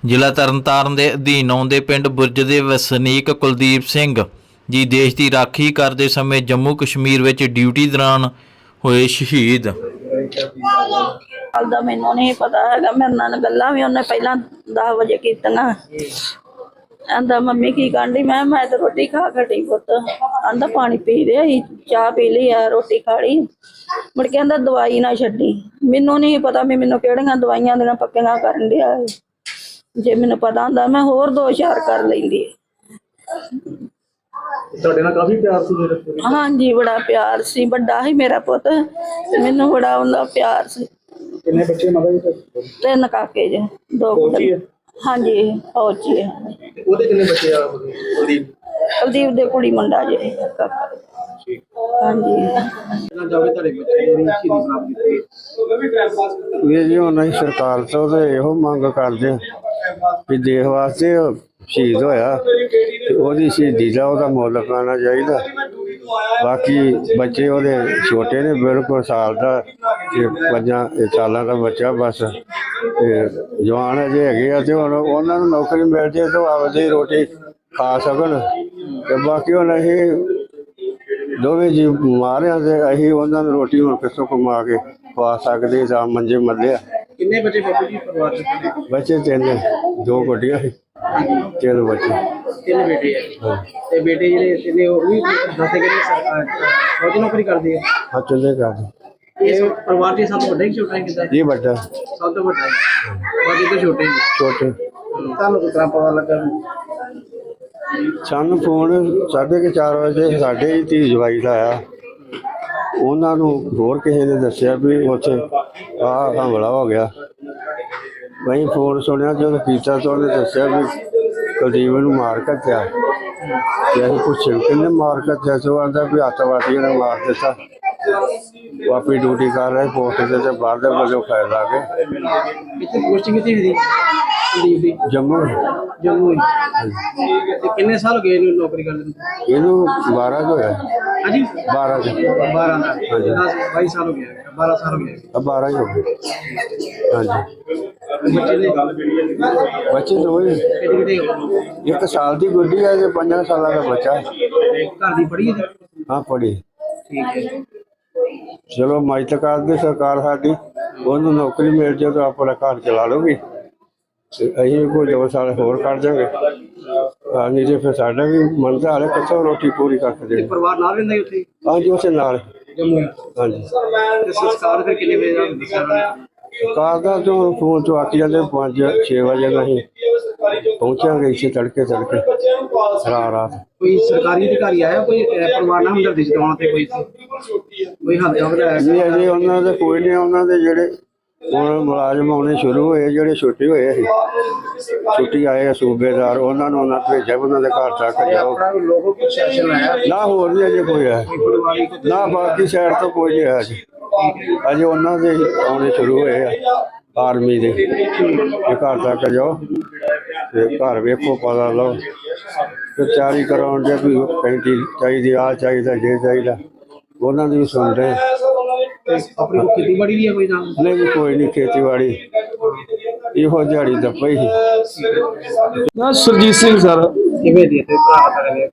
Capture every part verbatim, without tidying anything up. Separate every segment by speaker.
Speaker 1: ਜ਼ਿਲ੍ਹਾ ਤਰਨਤਾਰਨ ਦੇ ਅਧੀਨ ਆਉਂਦੇ ਪਿੰਡ ਬੁਰਜ ਦੇ ਵਸਨੀਕ ਕੁਲਦੀਪ ਸਿੰਘ ਜੀ ਦੇਸ਼ ਦੀ ਰਾਖੀ ਕਰਦੇ ਸਮੇਂ ਜੰਮੂ ਕਸ਼ਮੀਰ ਵਿੱਚ ਡਿਊਟੀ ਦੌਰਾਨ ਹੋਏ ਸ਼ਹੀਦ।
Speaker 2: ਗੱਲ ਦਾ ਮੈਨੂੰ ਨਹੀਂ ਪਤਾ ਹੈਗਾ। ਮੇਰੇ ਨਾਲ ਗੱਲਾਂ ਵੀ ਉਹਨੇ ਪਹਿਲਾਂ दस ਵਜੇ ਕੀਤੀਆਂ। ਆਂਦਾ ਮੰਮੀ ਕੀ ਕਰਦੀ? ਮੈਂ ਮੈਂ ਤਾਂ ਰੋਟੀ ਖਾ ਖੜੀ ਪੁੱਤ। ਆਂਦਾ ਪਾਣੀ ਪੀ ਰਿਹਾ ਸੀ, ਚਾਹ ਪੀ ਲਈ ਆ, ਰੋਟੀ ਖਾ ਲਈ। ਮੁੜ ਕੇ ਆਂਦਾ ਦਵਾਈ ਨਾ ਛੱਡੀ। ਮੈਨੂੰ ਨਹੀਂ ਪਤਾ ਵੀ ਮੈਨੂੰ ਕਿਹੜੀਆਂ ਦਵਾਈਆਂ ਦੀਆਂ ਪੱਕੀਆਂ ਕਰਨ ਡਿਆ। ਜੇ ਮੈਨੂੰ ਪਤਾ ਹੁੰਦਾ ਮੈਂ ਹੋਰ ਦੋ ਚਾਰ ਕਰ ਲੈਂਦੀ।
Speaker 3: ਤੁਹਾਡੇ ਨਾਲ ਕਾਫੀ ਪਿਆਰ ਸੀ ਮੇਰੇ?
Speaker 2: ਹਾਂਜੀ, ਬੜਾ ਪਿਆਰ ਸੀ। ਵੱਡਾ ਸੀ ਮੇਰਾ ਪੁੱਤ, ਮੈਨੂੰ ਬੜਾ ਉਹਦਾ ਪਿਆਰ ਸੀ।
Speaker 3: ਕਿੰਨੇ ਬੱਚੇ ਮਾਤਾ ਜੀ?
Speaker 2: ਤਿੰਨ ਕਾਕੇ ਜੇ, ਦੋ ਕੁੜੀ। ਹਾਂਜੀ, ਫੌਜੀ ਹੈ।
Speaker 3: ਉਹਦੇ ਕਿੰਨੇ ਬੱਚੇ ਆ? ਕੁਲਦੀਪ
Speaker 2: ਕੁਲਦੀਪ ਦੇ ਕੁੜੀ ਮੁੰਡਾ ਜੇ ਕਾਕਾ। ਹਾਂਜੀ,
Speaker 3: ਕਿੰਨਾ ਜਾਵੇ ਤੁਹਾਡੇ ਬੱਚੇ ਜਿਹੜੀ ਸ਼ਹੀਦੀ ਪ੍ਰਾਪਤ ਕੀਤੀ?
Speaker 4: ਵੀਰ ਜੀ ਉਹਨਾਂ ਦੀ ਸਰਕਾਰ ਤੋਂ ਤੇ ਇਹੋ ਮੰਗ ਕਰਦੇ ਆ ਵੀ ਦੇਸ਼ ਵਾਸਤੇ ਸ਼ਹੀਦ ਹੋਇਆ ਤੇ ਉਹਦੀ ਸ਼ਹੀਦੀ ਦਾ ਉਹਦਾ ਮੁੱਲ ਪਾਉਣਾ ਚਾਹੀਦਾ। ਬਾਕੀ ਬੱਚੇ ਉਹਦੇ ਛੋਟੇ ਨੇ, ਬਿਲਕੁਲ ਸਾਲ ਦਾ ਤੇ ਪੰਜਾਂ ਸਾਲਾਂ ਦਾ ਬੱਚਾ ਬਸ। ਤੇ ਜਵਾਨ ਅਜੇ ਹੈਗੇ ਆ ਤੇ ਹੁਣ ਉਹਨਾਂ ਨੂੰ ਨੌਕਰੀ ਮਿਲ ਜੇ ਤਾਂ ਆਪਦੀ ਰੋਟੀ ਖਾ ਸਕਣ। ਤੇ ਬਾਕੀ ਹੁਣ ਅਸੀਂ ਦੋਵੇਂ ਜੀ ਬਿਮਾਰ ਆ ਤੇ ਅਸੀਂ ਉਹਨਾਂ ਨੂੰ ਰੋਟੀ ਹੁਣ ਕਿੱਥੋਂ ਕਮਾ ਕੇ ਖਵਾ ਸਕਦੇ ਜਾਂ ਮੰਜੇ ਮੱਲੇ ਆ।
Speaker 3: ਕਿੰਨੇ ਬੱਚੇ ਬਾਪੂ ਜੀ ਪਰਿਵਾਰ ਚ?
Speaker 4: ਬੱਚੇ ਤਿੰਨ, ਦੋ ਗੁੱਡੀਆਂ ਸੀ, ਤਿੰਨ ਬੱਚੇ,
Speaker 3: ਤਿੰਨ ਬੇਟੇ ਆ। ਤੇ ਬੇਟੇ ਜਿਹੜੇ ਤਿੰਨੇ ਉਹ ਵੀ ਦੱਸੇ ਕਿ ਫੌਜੀ ਨੌਕਰੀ ਕਰਦੇ ਆ?
Speaker 4: ਹਾਂ ਚੁੱਲੇ ਕਰਦੇ।
Speaker 3: ਇਸ ਪਰਿਵਾਰ ਚ ਸਭ ਤੋਂ ਵੱਡਾ ਹੀ ਛੋਟਾ ਹੈ? ਕਿੱਦਾਂ
Speaker 4: ਇਹ ਵੱਡਾ
Speaker 3: ਸਭ ਤੋਂ ਵੱਡਾ ਹੈ, ਬਾਕੀ ਤਾਂ ਛੋਟੇ ਨੇ।
Speaker 4: ਛੋਟੇ।
Speaker 3: ਤੁਹਾਨੂੰ ਕਿਸ ਤਰ੍ਹਾਂ ਪਤਾ ਲੱਗਾ?
Speaker 4: ਸਾਨੂੰ ਫੋਨ ਸਾਢੇ ਕੁ ਚਾਰ ਵਜੇ ਸਾਡੇ ਹੀ ਧੀ ਜਵਾਈ ਦਾ ਆਇਆ। ਉਹਨਾਂ ਨੂੰ ਹੋਰ ਕਿਸੇ ਨੇ ਦੱਸਿਆ ਵੀ ਉੱਥੇ ਆਹ ਹਮਲਾ ਹੋ ਗਿਆ। ਅਸੀਂ ਫੋਨ ਸੁਣਿਆ, ਜਦੋਂ ਕੀਤਾ ਤਾਂ ਉਹਨੇ ਦੱਸਿਆ ਵੀ ਕੁਲਦੀਪ ਨੂੰ ਮਾਰ ਕੱਟਿਆ। ਤੇ ਅਸੀਂ ਪੁੱਛਿਆ ਕਿਹਨੇ ਮਾਰ ਕੱਟਿਆ? ਸੋ ਆਂਦਾ ਵੀ ਅੱਤਵਾਦੀਆਂ ਨੇ ਮਾਰ ਦਿੱਤਾ। ਉਹ ਆਪਣੀ ਡਿਊਟੀ ਕਰ ਰਹੇ ਪੋਸਟ ਤੇ ਤੇ ਬਾਹਰ ਦੇ ਵੱਲੋਂ ਫਾਇਰ ਲਾ ਕੇ।
Speaker 3: ਕਿੱਥੇ ਪੋਸਟਿੰਗ ਕਿੱਥੇ ਹੋਈ ਕੁਲਦੀਪ ਦੀ?
Speaker 4: ਜੰਮੂ
Speaker 3: ਜੰਮੂ ਹੀ। ਤੇ ਕਿੰਨੇ ਸਾਲ ਹੋ ਗਏ ਇਹਨੂੰ ਨੌਕਰੀ ਕਰਦੇ ਨੂੰ?
Speaker 4: ਇਹਨੂੰ ਬਾਰਾਂ ਕੁ ਹੋਇਆ।
Speaker 3: ਹਾਂਜੀ,
Speaker 4: ਬਾਰਾਂ ਚ
Speaker 3: ਬਾਰਾਂ ਦਾ। ਦਸ ਬਾਈ ਸਾਲ ਹੋ ਗਏ, ਬਾਰਾਂ ਸਾਲ ਹੋ ਗਏ।
Speaker 4: ਆ ਬਾਰਾਂ ਹੀ ਹੋ ਗਏ। ਹਾਂਜੀ,
Speaker 3: ਬੱਚੇ ਦੇ
Speaker 4: ਬੱਚੇ ਦੋ ਹੀ।
Speaker 3: ਕਿਹੜੇ ਕਿਹੜੇ?
Speaker 4: ਇੱਕ ਸਾਲ ਦੀ ਗੁੱਡੀ ਹੈ ਤੇ ਪੰਜਾਂ ਸਾਲਾਂ ਦਾ ਬੱਚਾ।
Speaker 3: ਘਰ ਦੀ ਪੜ੍ਹੀ ਹੈ?
Speaker 4: ਹਾਂ ਪੜ੍ਹੀ।
Speaker 3: ਠੀਕ ਹੈ।
Speaker 4: ਚਲੋ ਮਦਦ ਕਰਦੇ ਸਰਕਾਰ ਸਾਡੀ, ਉਹਨੂੰ ਨੌਕਰੀ ਮਿਲ ਜਾਏ ਤਾਂ ਆਪਣਾ ਘਰ ਚਲਾ ਲਊਗੀ। ਤੇ ਅਸੀਂ ਕੋਈ ਦੋ ਸਾਲ ਹੋਰ ਕੱਢ ਜਾਵਾਂਗੇ। ਹਾਂ, ਨਹੀਂ ਤੇ ਫਿਰ ਸਾਡਾ ਵੀ ਮਨ ਤਾਂ ਹਾਲੇ ਕਿੱਥੋਂ ਰੋਟੀ ਪੂਰੀ ਕਰਕੇ ਦੇਣੀ।
Speaker 3: ਪਰਿਵਾਰ ਨਾਲ ਰਹਿੰਦਾ ਉੱਥੇ?
Speaker 4: ਹਾਂਜੀ, ਉਸੇ ਨਾਲ।
Speaker 3: ਜੰਮੂ।
Speaker 4: ਹਾਂਜੀ।
Speaker 3: ਤੇ ਸੰਸਕਾਰ ਫਿਰ ਕਿੰਨੇ ਵਜੇ ਦਾ ਦੱਸਿਆ ਉਹਨਾਂ ਨੇ?
Speaker 4: ਕਾਰ ਦਾ ਤੋਂ ਫੋਨ ਤੋਂ ਆਖੀ ਜਾਂਦੇ ਪੰਜ ਛੇ ਵਜੇ ਨਾਲ ਅਸੀਂ ਪਹੁੰਚਾਂਗੇ ਇੱਥੇ ਤੜਕੇ ਤੜਕੇ ਰਾਤ ਰਾਤ।
Speaker 3: ਕੋਈ ਸਰਕਾਰੀ ਅਧਿਕਾਰੀ ਆਇਆ ਕੋਈ ਪਰਿਵਾਰ ਨਾਲ ਹਮਦਰਦੀ ਜਤਾਉਣ ਤੇ? ਕੋਈ ਕੋਈ ਹੱਥ ਜੋੜਦਾ?
Speaker 4: ਨਹੀਂ ਅਜੇ ਉਹਨਾਂ ਦੇ ਕੋਈ ਨਹੀਂ। ਉਹਨਾਂ ਦੇ ਜਿਹੜੇ ਹੁਣ ਮੁਲਾਜ਼ਮ ਆਉਣੇ ਸ਼ੁਰੂ ਹੋਏ, ਜਿਹੜੇ ਛੁੱਟੀ ਹੋਏ ਸੀ, ਛੁੱਟੀ ਆਏ ਆ ਸੂਬੇਦਾਰ, ਉਹਨਾਂ ਨੂੰ ਉਹਨਾਂ ਭੇਜਿਆ ਉਹਨਾਂ ਦੇ ਘਰ ਤੱਕ ਜਾਓ।
Speaker 3: ਲੋਕਲ ਪ੍ਰਸ਼ਾਸਨ ਆਇਆ?
Speaker 4: ਨਾ ਹੋਰ ਨਹੀਂ ਅਜੇ ਕੋਈ ਆਇਆ, ਨਾ ਬਾਕੀ ਸਾਈਡ ਤੋਂ ਕੋਈ ਨਹੀਂ ਆਇਆ ਜੀ। ਅਜੇ ਉਹਨਾਂ ਦੇ ਆਉਣੇ ਸ਼ੁਰੂ ਹੋਏ ਆ ਆਰਮੀ ਦੇ। ਇਹ ਘਰ ਤੱਕ ਜਾਓ ਤੇ ਘਰ ਵੇਖੋ, ਪਤਾ ਲਓ ਤੇ ਤਿਆਰੀ ਕਰਾਉਣ ਦੇ ਵੀ ਪੈਂਤੀ ਚਾਹੀਦੀ, ਆਹ ਚਾਹੀਦਾ, ਜੇ ਚਾਹੀਦਾ, ਉਹਨਾਂ ਦੀ ਵੀ ਸੁਣ ਰਹੇ।
Speaker 3: ਆਪਣੀ ਕੋਈ ਖੇਤੀਬਾੜੀ ਵੀ ਹੈ ਕੋਈ ਨਾਲ?
Speaker 4: ਨਹੀਂ ਜੀ ਕੋਈ ਨਹੀਂ, ਖੇਤੀਬਾੜੀ ਇਹੋ ਦਿਹਾੜੀ ਦੱਪਾ ਹੀ।
Speaker 5: ਨਾ ਸੁਰਜੀਤ ਸਿੰਘ ਸਰ।
Speaker 3: ਕਿਵੇਂ ਦੀ ਤੇ ਭਰਾ ਕਰੇ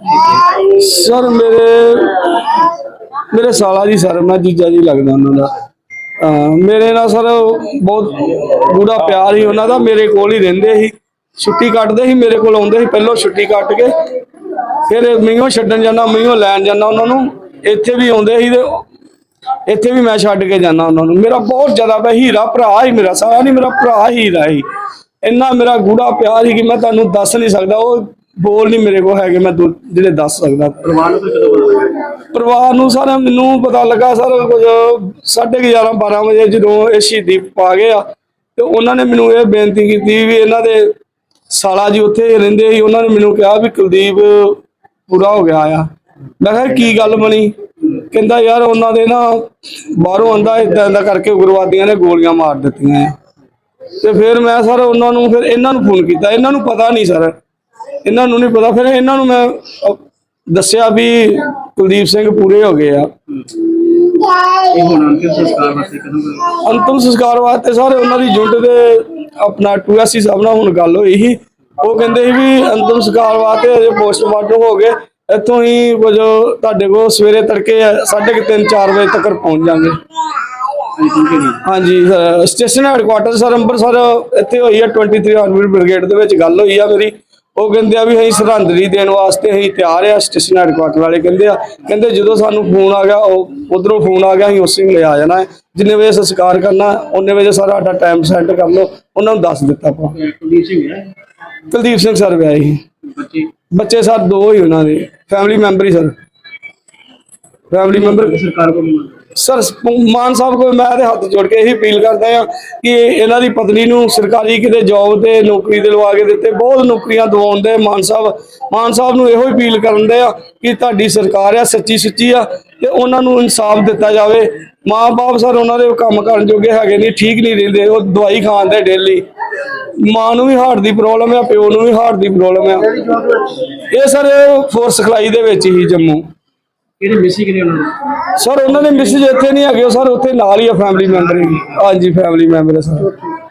Speaker 5: ਸਰ ਮੇਰੇ ਮੇਰੇ ਸਾਲਾ ਜੀ ਸਰ, ਮੈਂ ਜੀਜਾ ਜੀ ਲੱਗਦਾ ਉਹਨਾਂ ਦਾ। ਮੇਰੇ ਨਾਲ ਸਰ ਬਹੁਤ ਗੂੜਾ ਪਿਆਰ ਸੀ ਉਹਨਾਂ ਦਾ। ਮੇਰੇ ਕੋਲ ਹੀ ਰਹਿੰਦੇ ਸੀ, ਛੁੱਟੀ ਕੱਟਦੇ ਸੀ, ਮੇਰੇ ਕੋਲ ਆਉਂਦੇ ਸੀ। ਪਹਿਲਾਂ ਛੁੱਟੀ ਕੱਟ ਕੇ ਫਿਰ ਮੀਂਹੋਂ ਛੱਡਣ ਜਾਂਦਾ, ਮੀਂਹੋਂ ਲੈਣ ਜਾਂਦਾ ਉਹਨਾਂ ਨੂੰ। ਇੱਥੇ ਵੀ ਆਉਂਦੇ ਸੀ ਤੇ ਇੱਥੇ ਵੀ ਮੈਂ ਛੱਡ ਕੇ ਜਾਂਦਾ ਉਹਨਾਂ ਨੂੰ। ਮੇਰਾ ਬਹੁਤ ਜ਼ਿਆਦਾ ਪਿਆ, ਹੀਰਾ ਭਰਾ ਹੀ ਮੇਰਾ, ਸਾਰਾ ਨਹੀਂ ਮੇਰਾ ਭਰਾ ਹੀਰਾ ਹੀ। ਇੰਨਾ ਮੇਰਾ ਗੂੜਾ ਪਿਆਰ ਸੀ ਕਿ ਮੈਂ ਤੁਹਾਨੂੰ ਦੱਸ ਨਹੀਂ ਸਕਦਾ। ਉਹ ਬੋਲ ਨਹੀਂ ਮੇਰੇ ਕੋਲ ਹੈਗੇ ਮੈਂ ਜਿਹੜੇ ਦੱਸ ਸਕਦਾ।
Speaker 3: ਪਰਿਵਾਰ ਨੂੰ ਕਦੋਂ ਪਤਾ ਲੱਗਾ?
Speaker 5: ਪਰਿਵਾਰ ਨੂੰ ਸਰ ਮੈਨੂੰ ਪਤਾ ਲੱਗਾ ਸਰ ਕੁਝ ਸਾਢੇ ਗਿਆਰਾਂ ਬਾਰਾਂ ਵਜੇ, ਜਦੋਂ ਇਹ ਸ਼ਹੀਦੀ ਪਾ ਗਏ ਆ। ਤੇ ਉਹਨਾਂ ਨੇ ਮੈਨੂੰ ਇਹ ਬੇਨਤੀ ਕੀਤੀ ਵੀ ਇਹਨਾਂ ਦੇ ਸਾਲਾ ਜੀ ਉੱਥੇ ਰਹਿੰਦੇ ਸੀ, ਉਹਨਾਂ ਨੇ ਮੈਨੂੰ ਕਿਹਾ ਵੀ ਕੁਲਦੀਪ ਪੂਰਾ ਹੋ ਗਿਆ ਆ। ਮੈਂ ਕਿਹਾ ਕੀ ਗੱਲ ਬਣੀ? ਕਹਿੰਦਾ ਯਾਰ ਉਹਨਾਂ ਦੇ ਨਾ ਬਾਹਰੋਂ ਆਂਦਾ ਏਦਾਂ ਏਦਾਂ ਕਰਕੇ ਉਗਰਵਾਦੀਆਂ ਨੇ ਗੋਲੀਆਂ ਮਾਰ ਦਿੱਤੀਆਂ। ਤੇ ਫਿਰ ਮੈਂ ਸਰ ਉਹਨਾਂ ਨੂੰ ਫਿਰ ਇਹਨਾਂ ਨੂੰ ਫੋਨ ਕੀਤਾ। ਇਹਨਾਂ ਨੂੰ ਪਤਾ ਨਹੀਂ ਸਰ, ਇਹਨਾਂ ਨੂੰ ਨਹੀਂ ਪਤਾ। ਫਿਰ ਇਹਨਾਂ ਨੂੰ ਮੈਂ ਦੱਸਿਆ ਵੀ ਕੁਲਦੀਪ ਸਿੰਘ ਪੂਰੇ ਹੋ ਗਏ ਆ।
Speaker 3: ਇਹ ਹੁਣ ਅੰਤਿਮ ਸੰਸਕਾਰ ਵਾਸਤੇ ਕਦੋਂ ਕਰੋ?
Speaker 5: ਅੰਤਮ ਸੰਸਕਾਰ ਵਾਸਤੇ ਸਰ ਉਹਨਾਂ ਦੀ ਜੁੰਟ ਦੇ ਆਪਣਾ ਟੂ ਐਸ ਸੀ ਸਾਹਿਬ ਨਾਲ ਹੁਣ ਗੱਲ ਹੋਈ ਸੀ। ਉਹ ਕਹਿੰਦੇ ਸੀ ਵੀ ਅੰਤਮ ਸੰਸਕਾਰ ਵਾਸਤੇ ਅਜੇ ਪੋਸਟਮਾਰਟਮ ਹੋ ਗਏ, ਇੱਥੋਂ ਹੀ ਕੁਝ ਤੁਹਾਡੇ ਕੋਲ ਸਵੇਰੇ ਤੜਕੇ ਸਾਢੇ ਕੁ ਤਿੰਨ ਚਾਰ ਵਜੇ ਤੱਕ ਪਹੁੰਚ ਜਾਵਾਂਗੇ। ਹਾਂਜੀ sir, station headquarter sir Amritsar ਇੱਥੇ ਹੋਈ ਆ ਤੀਹ ਆਰਮੀ ਬ੍ਰਿਗੇਡ ਦੇ ਵਿੱਚ ਗੱਲ ਹੋਈ ਆ ਮੇਰੀ। ਉਹ ਕਹਿੰਦੇ ਆ ਵੀ ਅਸੀਂ ਸਰਹੰਦਰੀ ਦੇਣ ਵਾਸਤੇ ਅਸੀਂ ਤਿਆਰ ਆ। ਸਟੇਸ਼ਨ ਹੈਡਕੁਆਟਰ ਵਾਲੇ ਕਹਿੰਦੇ ਆ ਕਹਿੰਦੇ ਜਦੋਂ ਸਾਨੂੰ ਫੋਨ ਆ ਗਿਆ, ਉਹ ਉਧਰੋਂ ਫੋਨ ਆ ਗਿਆ, ਅਸੀਂ ਉਸੇ ਵੇਲੇ ਆ ਜਾਣਾ ਹੈ। ਜਿੰਨੇ ਵਜੇ ਸੰਸਕਾਰ ਕਰਨਾ ਉਹਨੇ ਵਜੇ ਸਾਰਾ ਸਾਡਾ ਟਾਈਮ ਸੈੱਟ ਕਰ ਲਓ। ਉਹਨਾਂ ਨੂੰ ਦੱਸ ਦਿੱਤਾ ਆਪਾਂ।
Speaker 3: ਕੁਲਦੀਪ ਸਿੰਘ ਹੈ
Speaker 5: ਕੁਲਦੀਪ ਸਿੰਘ ਸਰ ਵਿਆਹੇ ਸੀ।
Speaker 3: ਬੱਚੇ
Speaker 5: ਬੱਚੇ ਸਰ ਦੋ ਹੀ ਉਹਨਾਂ ਦੇ, ਫੈਮਿਲੀ ਮੈਂਬਰ ਹੀ ਸਰ, ਫੈਮਿਲੀ ਮੈਂਬਰ
Speaker 3: ਸਰਕਾਰ ਕੋਲ
Speaker 5: ਸਰ। ਮਾਨ ਸਾਹਿਬ ਕੋਲ ਮੈਂ ਤੇ ਹੱਥ ਜੋੜ ਕੇ ਇਹੀ ਅਪੀਲ ਕਰਦਾ ਆ ਕਿ ਇਹਨਾਂ ਦੀ ਪਤਨੀ ਨੂੰ ਸਰਕਾਰੀ ਕਿਤੇ ਜੌਬ ਤੇ ਨੌਕਰੀ ਤੇ ਲਵਾ ਕੇ ਦਿੱਤੇ, ਬਹੁਤ ਨੌਕਰੀਆਂ ਦਿਵਾਉਂਦੇ ਮਾਨ ਸਾਹਿਬ। ਮਾਨ ਸਾਹਿਬ ਨੂੰ ਇਹੋ ਅਪੀਲ ਕਰਦੇ ਆ ਕਿ ਤੁਹਾਡੀ ਸਰਕਾਰ ਆ ਸੱਚੀ ਸੁੱਚੀ ਆ ਤੇ ਉਹਨਾਂ ਨੂੰ ਇਨਸਾਫ ਦਿੱਤਾ ਜਾਵੇ। ਮਾਂ ਬਾਪ ਸਰ ਉਹਨਾਂ ਦੇ ਕੰਮ ਕਰਨ ਜੋਗੇ ਹੈਗੇ ਨਹੀਂ, ਠੀਕ ਨਹੀਂ ਰਹਿੰਦੇ, ਉਹ ਦਵਾਈ ਖਾਂਦੇ ਡੇਲੀ। ਮਾਂ ਨੂੰ ਵੀ ਹਾਰਟ ਦੀ ਪ੍ਰੋਬਲਮ ਆ, ਪਿਓ ਨੂੰ ਵੀ ਹਾਰਟ ਦੀ ਪ੍ਰੋਬਲਮ ਆ। ਇਹ ਸਰ ਫੋਰਸ ਸਿਖਲਾਈ ਦੇ ਵਿੱਚ ਹੀ ਜੰਮੂ।
Speaker 3: ਕਿਹੜੇ ਮਿਸੀ ਕਿਹਨੇ ਉਹਨਾਂ ਨੂੰ?
Speaker 5: ਸਰ ਉਹਨਾਂ ਦੇ ਮਿਸਿਸ ਇੱਥੇ ਨਹੀਂ ਹੈਗੇ, ਸਰ ਉੱਥੇ ਨਾਲ ਹੀ ਆ, ਫੈਮਿਲੀ ਮੈਂਬਰ ਹੀ। ਹਾਂਜੀ ਫੈਮਿਲੀ ਮੈਂਬਰ ਹੈ ਸਰ।